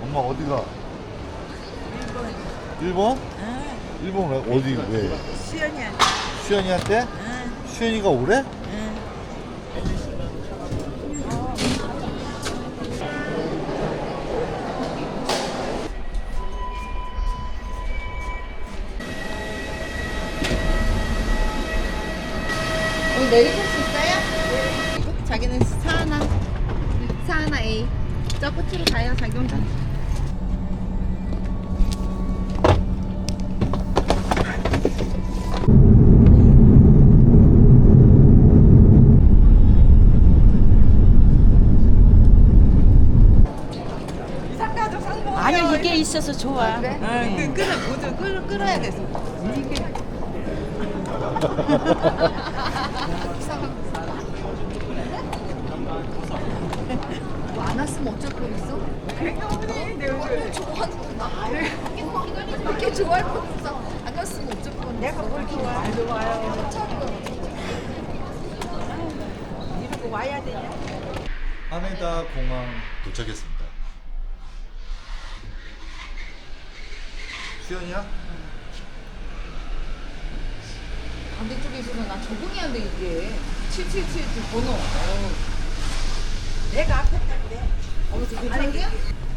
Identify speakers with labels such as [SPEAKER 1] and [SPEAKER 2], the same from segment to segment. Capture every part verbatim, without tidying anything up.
[SPEAKER 1] 엄마 어디가? 일본?
[SPEAKER 2] 응.
[SPEAKER 1] 일본 왜? 어디 왜?
[SPEAKER 2] 수연이한테.
[SPEAKER 1] 수연이한테?
[SPEAKER 2] 응.
[SPEAKER 1] 수연이가 오래?
[SPEAKER 2] 응.
[SPEAKER 3] 오늘 내리실 수 있어요? 자기는 사하나 사하나 A 저 끝으로 가요 자기 혼자.
[SPEAKER 2] 아니요, 이게 있어서 좋아.
[SPEAKER 3] 그래?
[SPEAKER 2] 응.
[SPEAKER 3] 그 끓어 모두 끓 끓어야 돼서. 이게 뭐 안 왔으면 어쩔 뻔했어? 어, 좋아하는구나. 이렇게 좋아할 뻔했어. 안 왔으면 어쩔 뻔했어.
[SPEAKER 2] 내가 뭘 좋아? 안 좋아요. 이러고 와야 되냐?
[SPEAKER 1] 하네다 공항 도착했습니다. 수연이야?
[SPEAKER 3] 반대쪽에 있으면 나 적응이 안 돼 이게. 칠칠칠칠 번호. 어.
[SPEAKER 2] 내가 앞에 탈게.
[SPEAKER 3] 어, 저 괜찮은데요?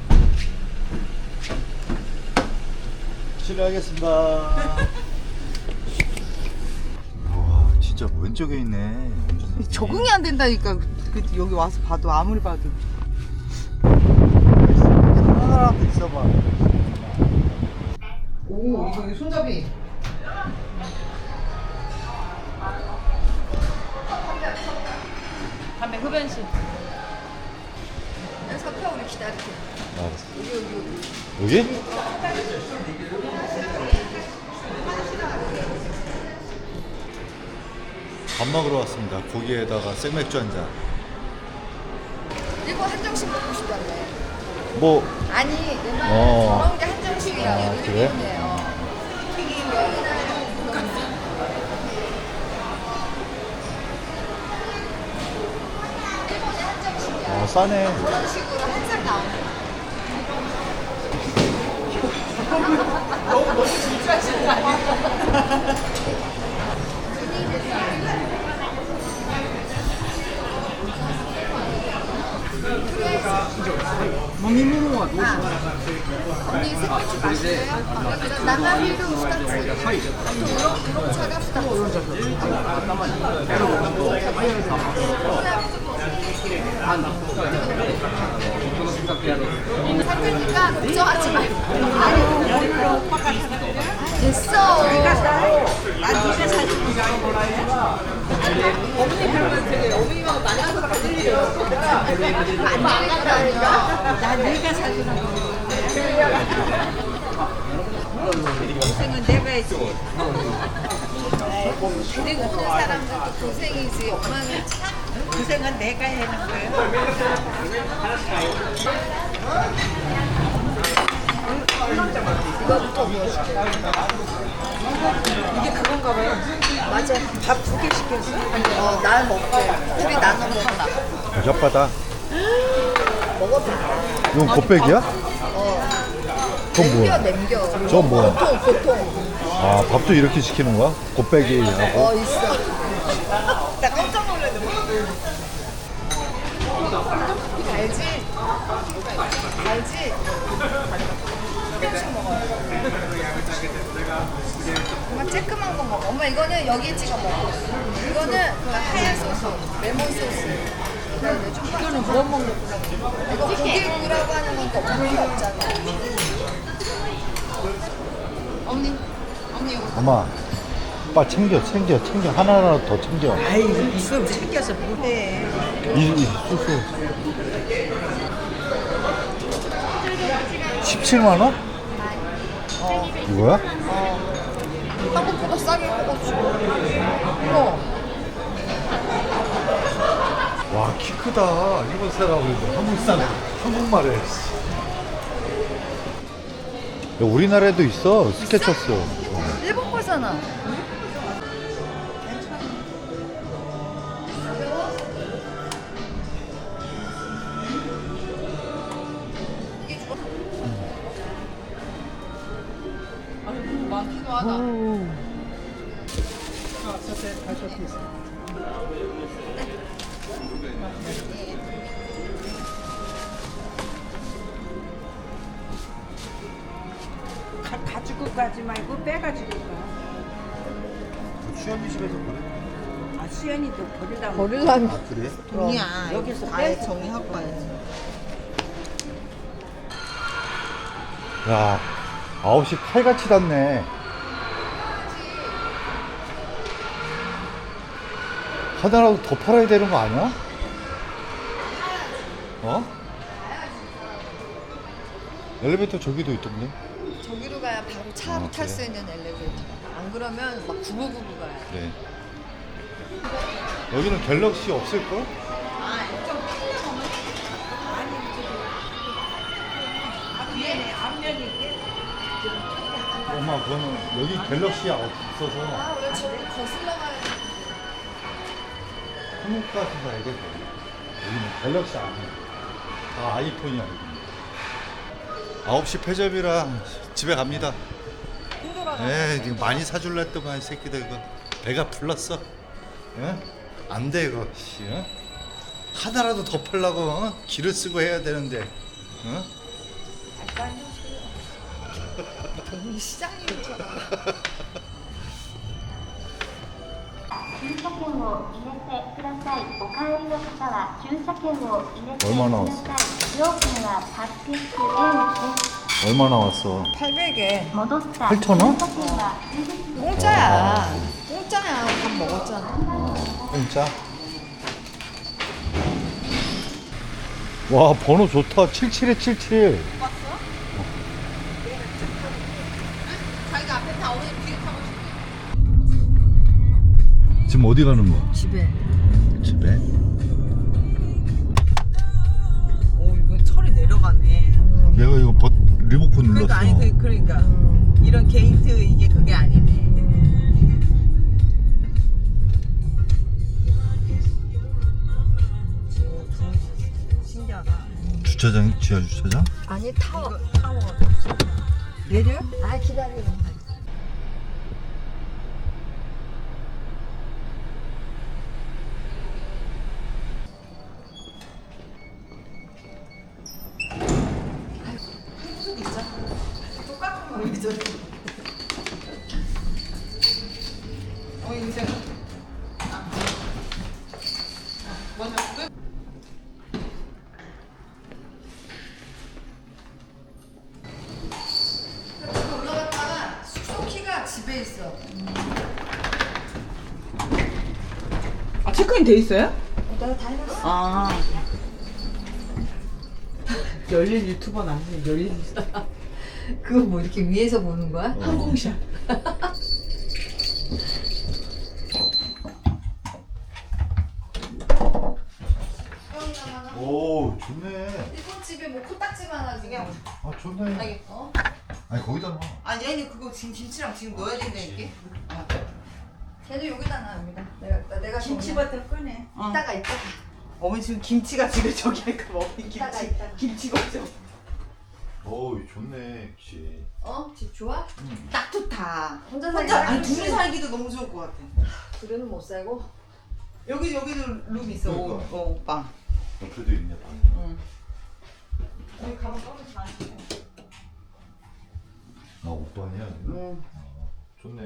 [SPEAKER 1] 실례하겠습니다. 우와 진짜 왼쪽에 있네.
[SPEAKER 3] 적응이 안 된다니까. 그 여기 와서 봐도 아무리 봐도.
[SPEAKER 1] 하나 있어봐.
[SPEAKER 3] 오 이거 이거 손잡이.
[SPEAKER 2] 담배 흡연실.
[SPEAKER 3] 여기서 펴 우리 기다릴게.
[SPEAKER 1] 알았어.
[SPEAKER 3] 여기 여기 여기.
[SPEAKER 1] 여기? 밥 먹으러 왔습니다. 고기에다가 생맥주 한 잔.
[SPEAKER 3] 이거 한정식 먹고 싶다네.
[SPEAKER 1] 뭐
[SPEAKER 3] 아니 내 말
[SPEAKER 1] 어.
[SPEAKER 3] 저런 게 한정식이야.
[SPEAKER 1] 아,
[SPEAKER 3] 여기
[SPEAKER 1] 그래?
[SPEAKER 3] 튀김이에요. 튀김 여기는 일본의 한정식이야.
[SPEAKER 1] 어, 싸네.
[SPEAKER 3] 그런 식으로 한 살 나오는 거야. 너무 너무 진짜 진짜 아니야? 언니 생맥주 마실래요? 나가리도 스타트. 우롱차가 스타트. 사장님과 걱정하지 말고. 됐어.
[SPEAKER 2] 난 네가 사진 어머니 그러면 되게 어머니만 만나서 받으려고.
[SPEAKER 3] 안 되니까요.
[SPEAKER 2] 난 네가 사주는 거. 고생은 내가 했지.
[SPEAKER 3] 데리고 오는 사람들도 고생이지. 엄마는 참.
[SPEAKER 2] 고생은 내가 해는 거예요.
[SPEAKER 3] 이거부터 뭐 시켜?
[SPEAKER 2] 이게 그건가 봐요.
[SPEAKER 3] 맞아.
[SPEAKER 2] 밥 두 개 시켰어?
[SPEAKER 3] 어, 날 먹게. 둘이 나눠 먹나.
[SPEAKER 1] 혓바다.
[SPEAKER 3] 먹어봐.
[SPEAKER 1] 이건 곱빼기야?
[SPEAKER 3] 어.
[SPEAKER 1] 그건
[SPEAKER 3] 남겨,
[SPEAKER 1] 뭐야?
[SPEAKER 3] 남겨.
[SPEAKER 1] 저건 뭐야?
[SPEAKER 3] 보통, 보통.
[SPEAKER 1] 아 밥도 이렇게 시키는 거야? 곱빼기하고?
[SPEAKER 3] 어, 있어.
[SPEAKER 2] 나 깜짝 놀랐네.
[SPEAKER 3] 알지? 알지? 한씩 먹어요. 엄마 쬐끔한 거 먹어. 엄마 이거는 여기에 찍어 먹어. 이거는 그 하얀 소스, 레몬 소스.
[SPEAKER 2] 이거는 뭐 먹는 거야?
[SPEAKER 3] 이거 고기구라고 하는 건 또 없는 게 없잖아. 어머니, 어머니 이거.
[SPEAKER 1] 엄마 빨리 챙겨 챙겨 챙겨 하나라도 더 챙겨.
[SPEAKER 2] 아이 이거 챙겨서 뭐해?
[SPEAKER 1] 이, 이 소스 십칠만 원?
[SPEAKER 3] 어,
[SPEAKER 1] 이거야?
[SPEAKER 3] 어. 한국보다 싸게 먹었지. 어.
[SPEAKER 1] 와 키 크다. 일본 사람하고 한국 사람 한국말에. 야, 우리나라에도 있어 스케쳐스. 어.
[SPEAKER 3] 일본 거잖아. 좋아하다.
[SPEAKER 2] 가, 가지고 가지 말고 빼가지고 가.
[SPEAKER 1] 수현이 집에서 그래?
[SPEAKER 2] 아 수연이도 버리려고.
[SPEAKER 3] 버릴라면
[SPEAKER 1] 아 그래?
[SPEAKER 2] 돈이야. 여기서
[SPEAKER 4] 아예
[SPEAKER 2] 빼서
[SPEAKER 4] 정리하고 가야지.
[SPEAKER 1] 야 아홉 시 칼같이 닿네. 하나라도 더 팔아야 되는 거 아니야? 어? 엘리베이터 저기도 있던데?
[SPEAKER 3] 저기로 가야 바로 차로
[SPEAKER 1] 아,
[SPEAKER 3] 탈 수
[SPEAKER 1] 그래?
[SPEAKER 3] 있는 엘리베이터. 안 그러면 막 구부구부 가야 돼.
[SPEAKER 1] 그래. 여기는 갤럭시 없을걸?
[SPEAKER 2] 앞면에 앞면이 있게.
[SPEAKER 1] 엄마 그거는 여기 갤럭시가 없어서
[SPEAKER 3] 아, 왜 저기 거슬러 가야 돼?
[SPEAKER 1] 한국 가서 사야 돼. 여기는 갤럭시 아니야. 다 아이폰이야 여기는. 아홉 시 폐점이라 집에 갑니다. 에 지금 많이 사줄라 했더만 이 새끼들 이거 배가 불렀어. 예? 안돼 이거 씨. 어? 하나라도 더 팔라고 어? 기를 쓰고 해야 되는데. 어?
[SPEAKER 3] 여기 시장이 있잖아.
[SPEAKER 5] 駐車券を入れてください。お帰りの方は駐車券を入れてく
[SPEAKER 1] 얼마나
[SPEAKER 5] だ
[SPEAKER 1] 왔어
[SPEAKER 5] さい。料金ははっぴゃくえんです。
[SPEAKER 1] 얼마 나왔어?
[SPEAKER 3] 팔백 엔.
[SPEAKER 5] 戻った
[SPEAKER 1] 팔천 원?
[SPEAKER 5] 駐車券は充実
[SPEAKER 3] 공짜야. 공짜야. 밥 먹었잖아.
[SPEAKER 1] 진짜? 와 번호 좋다. 칠칠에 칠칠.
[SPEAKER 3] 자기가 앞에 다 오늘 비행 타고
[SPEAKER 1] 지금 어디 가는 거야?
[SPEAKER 3] 집에.
[SPEAKER 1] 집에?
[SPEAKER 4] 오 이거 철이 내려가네.
[SPEAKER 1] 얘가 이거 버, 리모컨 눌렀어.
[SPEAKER 4] 그러니까 아니 그, 그러니까 이런 게이트 이게 그게 아니네. 신기하다.
[SPEAKER 1] 주차장 지하 주차장?
[SPEAKER 3] 아니 타워.
[SPEAKER 4] 이거 타워.
[SPEAKER 3] 내려? 아 기다려.
[SPEAKER 4] 똑같은 거 왜 저래? 어 인생. 먼저 끄.
[SPEAKER 3] 올라갔다가 숙소 키가 집에 있어.
[SPEAKER 4] 아 체크인 돼 있어요?
[SPEAKER 3] 내가 다 해놨어.
[SPEAKER 4] 아. 열린 유튜버는 아니에요. 열린 유튜버.
[SPEAKER 3] 그거 뭐 이렇게 위에서 보는 거야?
[SPEAKER 4] 항공샷.
[SPEAKER 1] 오 좋네.
[SPEAKER 3] 일본 집에 뭐 코딱지만 하지. 그냥
[SPEAKER 1] 아 좋네.
[SPEAKER 3] 어?
[SPEAKER 1] 아니 거기다 놔.
[SPEAKER 4] 아니 아니 그거 지금 김치랑 지금 넣어야 된다니까. 아.
[SPEAKER 3] 걔도 여기다 놔 여기다. 내가 나- 내가
[SPEAKER 2] 김치부터 꺼내.
[SPEAKER 4] 어.
[SPEAKER 3] 이따가 이따가.
[SPEAKER 4] 어머니 지금 김치가 지금 저기 할까 봐 어머니
[SPEAKER 3] 이따가,
[SPEAKER 4] 김치
[SPEAKER 3] 이따가.
[SPEAKER 4] 김치가 없어.
[SPEAKER 1] 오 좋네 역시.
[SPEAKER 3] 어? 집 좋아?
[SPEAKER 4] 딱 좋다.
[SPEAKER 3] 혼자 살기
[SPEAKER 4] 혼자 아니
[SPEAKER 3] 싫지?
[SPEAKER 4] 둘이 살기도 너무 좋을 것 같아.
[SPEAKER 3] 둘이는 못 살고.
[SPEAKER 4] 여기 여기도 룸 있어. 오,
[SPEAKER 1] 그러니까.
[SPEAKER 4] 어, 오빠.
[SPEAKER 1] 옆에도 있네 방.
[SPEAKER 4] 응. 여기 가방 꺼내지 마.
[SPEAKER 1] 아 오빠냐?
[SPEAKER 4] 응.
[SPEAKER 1] 아, 좋네.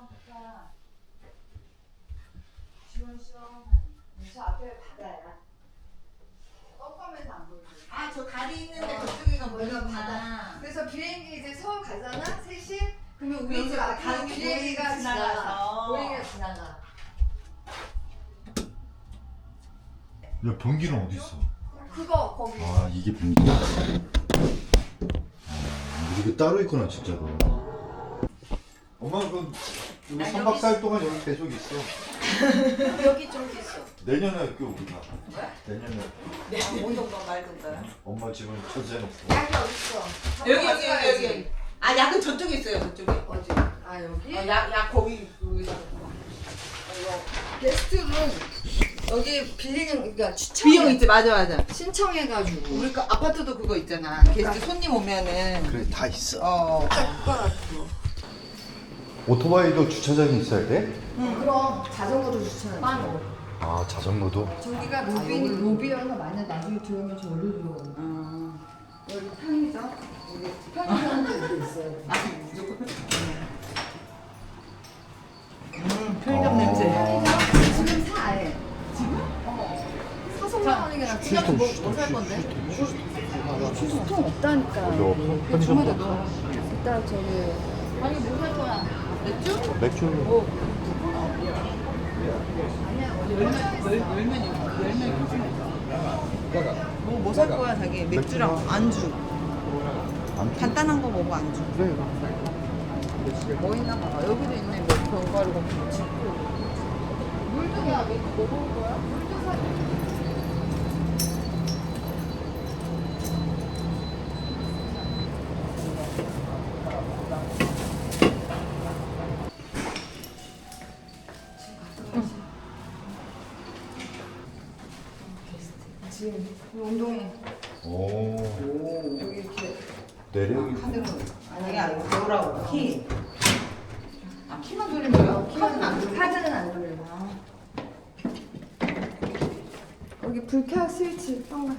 [SPEAKER 3] 저 앞에 바다야. 껌껌해서 안 보이지.
[SPEAKER 4] 아 저 다리 있는데 저쪽에가
[SPEAKER 3] 여기가
[SPEAKER 4] 뭐가
[SPEAKER 3] 바다. 그래서 비행기 이제 서울 가잖아. 셋이. 그러면 우리
[SPEAKER 4] 여기
[SPEAKER 3] 집 앞에
[SPEAKER 4] 가는 게
[SPEAKER 3] 비행기가
[SPEAKER 4] 보이게
[SPEAKER 3] 지나가.
[SPEAKER 4] 지나가서.
[SPEAKER 3] 보행기가 지나가.
[SPEAKER 1] 야 변기는 어디 있어?
[SPEAKER 3] 그거 거기.
[SPEAKER 1] 아 이게 변기야? 아 이게 따로 있구나 진짜로. 엄마 그 우리 삼 박 사 일 동안 여기 계속 있어.
[SPEAKER 3] 여기 좀 있어.
[SPEAKER 1] 내년에 할게 우리가. 내년에.
[SPEAKER 4] 아, 뭔가 말던가.
[SPEAKER 1] 엄마 집은 천재놓고.
[SPEAKER 3] 약이 어딨어?
[SPEAKER 4] 여기 여기 여기 여기 여기. 아 약은 저쪽에 있어요. 저쪽에.
[SPEAKER 3] 어디? 아 여기?
[SPEAKER 4] 어, 약, 약 거기 여기다.
[SPEAKER 3] 게스트룸 여기 빌리는 그러니까 추천
[SPEAKER 4] 비용 있지 맞아 맞아.
[SPEAKER 3] 신청해가지고
[SPEAKER 4] 우리 그 아파트도 그거 있잖아. 게스트 손님 오면은
[SPEAKER 1] 그래 다 있어.
[SPEAKER 4] 어.
[SPEAKER 3] 젓가락도
[SPEAKER 1] 오토바이도 주차장이 있어야 돼?
[SPEAKER 3] 그럼 자전거도 주차해.
[SPEAKER 1] 아 자전거도?
[SPEAKER 3] 저기가 로비, 로비여서 만약 나중에 들어오면 저기로 들어오는
[SPEAKER 4] 어.
[SPEAKER 3] 여기 편의점? 여기 편의점도 여기 있어요.
[SPEAKER 4] 아, 무조건. 음, 편의점 냄새.
[SPEAKER 3] 편의점? 지금 사 아예. 지금? 어. 사서 올라가는 게 낫지.
[SPEAKER 1] 휴지통,
[SPEAKER 3] 뭐,
[SPEAKER 1] 휴지통,
[SPEAKER 3] 뭐 살 건데?
[SPEAKER 1] 휴지통.
[SPEAKER 3] 휴지통 없다니까.
[SPEAKER 1] 이거 편의점
[SPEAKER 3] 이따 저기. 아니 뭐 살 거야? 맥주?
[SPEAKER 1] 맥주.
[SPEAKER 4] 뭐, 뭐 살 거야, 자기? 맥주랑 안주.
[SPEAKER 1] 안
[SPEAKER 4] 간단한 거 먹어, 안주.
[SPEAKER 1] 그래.
[SPEAKER 3] 뭐 있나 봐. 여기도 있네. 뭐 견과류 같은 거. 짚고. 물등이야. 맥주 뭐 먹을 거야? 물등 사. 지금 운동회
[SPEAKER 1] 오.
[SPEAKER 3] 여기 이렇게
[SPEAKER 1] 내력이.
[SPEAKER 3] 카드로
[SPEAKER 4] 아니, 아니고, 뭐라고? 키.
[SPEAKER 3] 아 키만 돌리는 거요? 카드는 안 돌려. 카드는 안 돌리고. 여기 불켜 스위치 뻥가.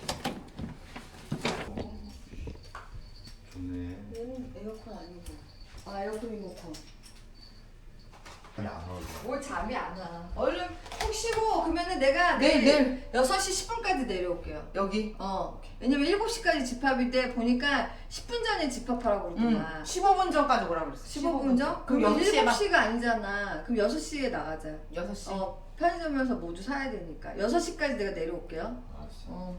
[SPEAKER 1] 좋네.
[SPEAKER 3] 얘는 에어컨 아니고. 아 에어컨 리모컨.
[SPEAKER 1] 아니 안 어울려.
[SPEAKER 3] 뭘 잠이 안 와. 얼른 푹 쉬고 그러면은 내가
[SPEAKER 4] 내일,
[SPEAKER 3] 내일,
[SPEAKER 4] 내일.
[SPEAKER 3] 여섯 시 십 분까지 내려올게요.
[SPEAKER 4] 여기?
[SPEAKER 3] 어. 왜냐면 일곱 시까지 집합인데 보니까 십 분 전에 집합하라고
[SPEAKER 4] 응.
[SPEAKER 3] 그러더만.
[SPEAKER 4] 십오 분 전까지 오라고 그랬어.
[SPEAKER 3] 십오 분 전?
[SPEAKER 4] 그럼
[SPEAKER 3] 그럼
[SPEAKER 4] 여섯 시에
[SPEAKER 3] 일곱
[SPEAKER 4] 막
[SPEAKER 3] 시가 아니잖아. 그럼 여섯 시에 나가자.
[SPEAKER 4] 여섯 시.
[SPEAKER 3] 어, 편의점에서 모두 사야 되니까. 여섯 시까지 내가 내려올게요.
[SPEAKER 1] 알았어.
[SPEAKER 3] 어.